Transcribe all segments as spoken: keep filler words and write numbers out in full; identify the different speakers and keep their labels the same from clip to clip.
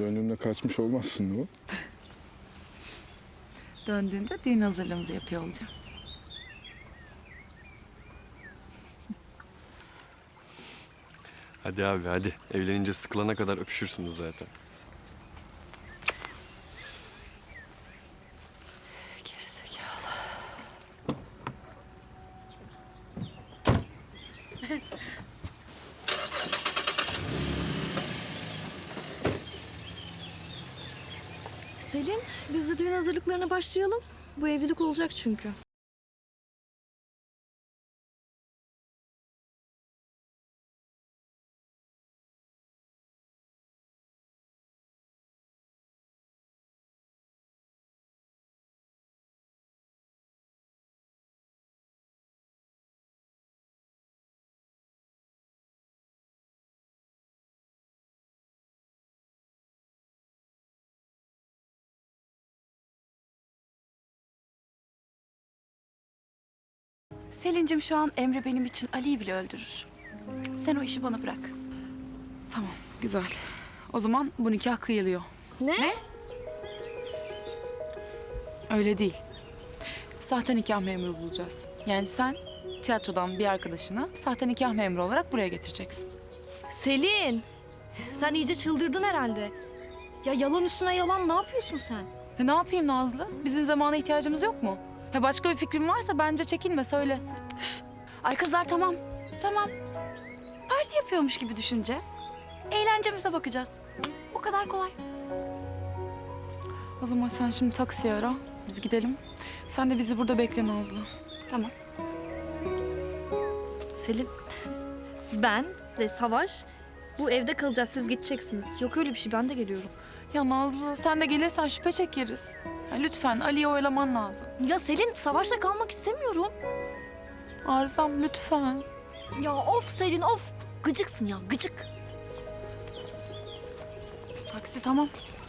Speaker 1: Döndüğümde kaçmış olmazsın değil mi?
Speaker 2: Döndüğünde düğün hazırlığımızı yapıyor olacağım.
Speaker 3: Hadi abi hadi. Evlenince sıkılana kadar öpüşürsünüz zaten.
Speaker 2: Gerizekalı.
Speaker 4: Selin, biz de düğün hazırlıklarına başlayalım. Bu evlilik olacak çünkü.
Speaker 5: Selin'cim şu an Emre benim için Ali'yi bile öldürür. Sen o işi bana bırak.
Speaker 2: Tamam, güzel. O zaman bu nikah kıyılıyor.
Speaker 4: Ne?
Speaker 5: Ne?
Speaker 2: Öyle değil. Sahte nikah memuru bulacağız. Yani sen tiyatrodan bir arkadaşını sahte nikah memuru olarak buraya getireceksin.
Speaker 4: Selin, sen iyice çıldırdın herhalde. Ya yalan üstüne yalan, ne yapıyorsun sen?
Speaker 2: E ne yapayım Nazlı? Bizim zamana ihtiyacımız yok mu? Ha başka bir fikrin varsa bence çekinme söyle.
Speaker 5: Ay kızlar tamam. Tamam. Parti yapıyormuş gibi düşüneceğiz. Eğlencemize bakacağız. Bu kadar kolay.
Speaker 2: O zaman sen şimdi taksiye ara. Biz gidelim. Sen de bizi burada bekle Nazlı.
Speaker 5: Tamam.
Speaker 4: Selin, ben ve Savaş bu evde kalacağız, siz gideceksiniz. Yok öyle bir şey, ben de geliyorum.
Speaker 2: Ya Nazlı sen de gelirsen şüphe çekeriz. Ya lütfen Ali'yi oyalaman lazım.
Speaker 4: Ya Selin, Savaş'la kalmak istemiyorum.
Speaker 2: Arzam lütfen.
Speaker 4: Ya of Selin, of. Gıcıksın ya, gıcık.
Speaker 5: Taksi tamam.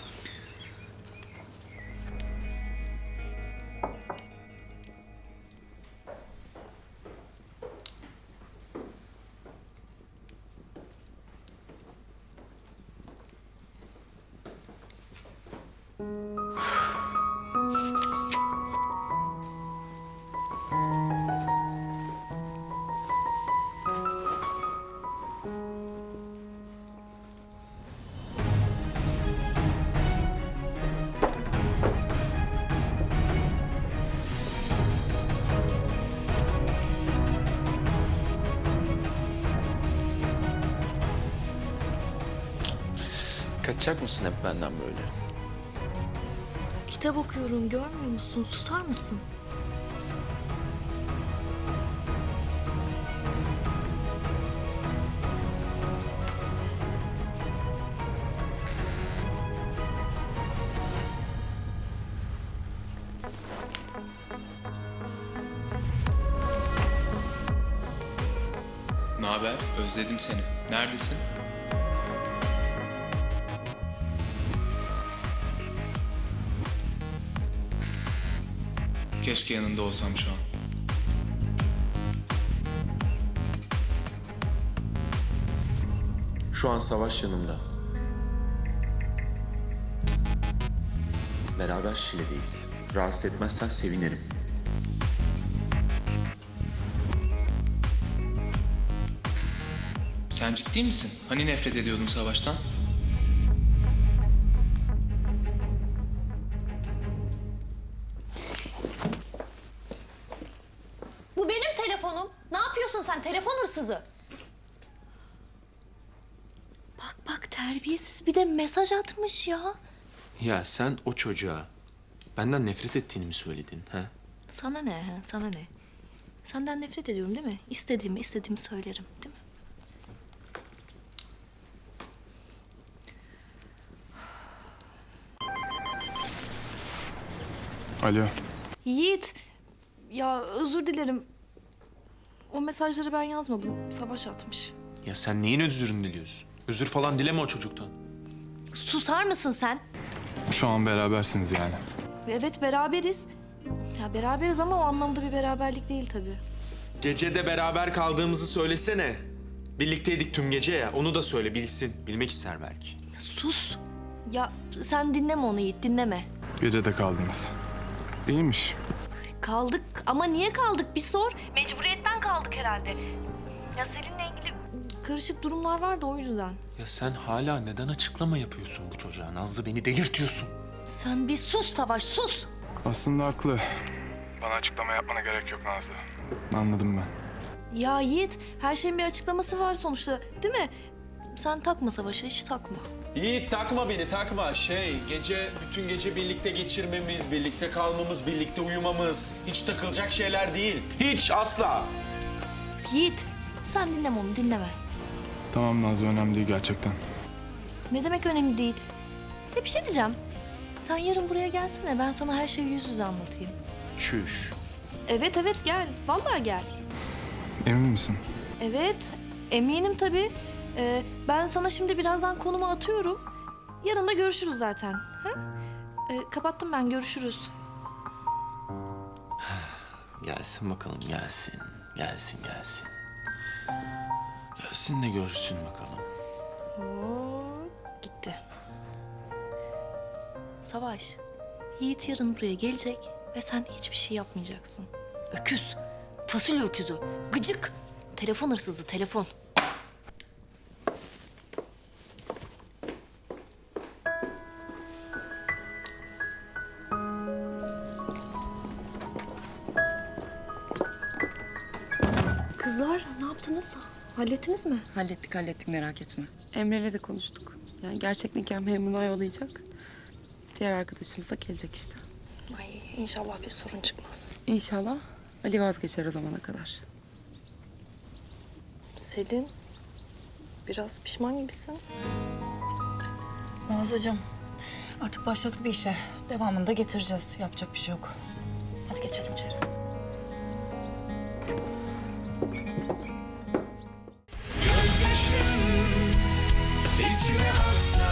Speaker 6: Kaçacak mısın hep benden böyle?
Speaker 4: Kitap okuyorum, görmüyor musun? Susar mısın?
Speaker 7: Ne haber? Özledim seni. Neredesin? Keşke yanında olsam şu an.
Speaker 6: Şu an Savaş yanımda. Beraber Şile'deyiz. Rahatsız etmezsen sevinirim.
Speaker 7: Sen ciddi misin? Hani nefret ediyordun Savaş'tan?
Speaker 4: Bu benim telefonum. Ne yapıyorsun sen? Telefon hırsızı. Bak bak, terbiyesiz, bir de mesaj atmış ya.
Speaker 6: Ya sen o çocuğa benden nefret ettiğini mi söyledin? Ha?
Speaker 4: Sana ne? Ha? Sana ne? Senden nefret ediyorum değil mi? İstediğimi istediğimi söylerim değil mi?
Speaker 1: Alo.
Speaker 4: Yiğit, ya özür dilerim. O mesajları ben yazmadım. Savaş atmış.
Speaker 6: Ya sen neyin özürünü diliyorsun? Özür falan dileme o çocuktan.
Speaker 4: Susar mısın sen?
Speaker 1: Şu an berabersiniz yani.
Speaker 4: Evet, beraberiz. Ya beraberiz ama o anlamda bir beraberlik değil tabii.
Speaker 6: Gecede beraber kaldığımızı söylesene. Birlikteydik tüm gece ya. Onu da söyle bilsin. Bilmek ister belki.
Speaker 4: Sus. Ya sen dinleme onu Yiğit, dinleme.
Speaker 1: Gece de kaldınız. İyiymiş.
Speaker 4: Kaldık ama niye kaldık bir sor. Mecburiyetten kaldık herhalde. Ya Selin'le ilgili karışık durumlar var da o yüzden.
Speaker 6: Ya sen hala neden açıklama yapıyorsun bu çocuğa? Nazlı, beni delirtiyorsun.
Speaker 4: Sen bir sus Savaş, sus.
Speaker 1: Aslında haklı. Bana açıklama yapmana gerek yok Nazlı. Anladım ben.
Speaker 4: Ya Yiğit, her şeyin bir açıklaması var sonuçta, değil mi? Sen takma Savaş'a, hiç takma.
Speaker 6: Yiğit takma beni, takma. Şey, gece, bütün gece birlikte geçirmemiz, birlikte kalmamız, birlikte uyumamız. Hiç takılacak şeyler değil. Hiç, asla.
Speaker 4: Yiğit, sen dinleme onu, dinleme.
Speaker 1: Tamam Nazlı, önemli değil gerçekten.
Speaker 4: Ne demek önemli değil. Ya bir şey diyeceğim. Sen yarın buraya gelsene, ben sana her şeyi yüz yüze anlatayım.
Speaker 6: Çüş.
Speaker 4: Evet evet gel, vallahi gel.
Speaker 1: Emin misin?
Speaker 4: Evet, eminim tabii. Ee, ben sana şimdi birazdan konumu atıyorum. Yarın da görüşürüz zaten. Ha? Ee, kapattım ben, görüşürüz.
Speaker 6: Gelsin bakalım, gelsin. Gelsin, gelsin. Gelsin de görsün bakalım.
Speaker 4: Oo, gitti. Savaş, Yiğit yarın buraya gelecek ve sen hiçbir şey yapmayacaksın. Öküz, fasulye öküzü, gıcık. Telefon hırsızı, telefon. Kızlar, ne yaptınız? Hallettiniz mi?
Speaker 2: Hallettik hallettik merak etme. Emre'yle de konuştuk. Yani gerçek nikah memuruna yollayacak. Diğer arkadaşımız da gelecek işte.
Speaker 4: Ay, inşallah bir sorun çıkmaz.
Speaker 2: İnşallah Ali vazgeçer o zamana kadar.
Speaker 4: Selin, biraz pişman gibisin.
Speaker 8: Nazlıcığım, artık başladık bir işe. Devamını da getireceğiz. Yapacak bir şey yok. Hadi geçelim içeri.
Speaker 9: Gözyaşım içime aksa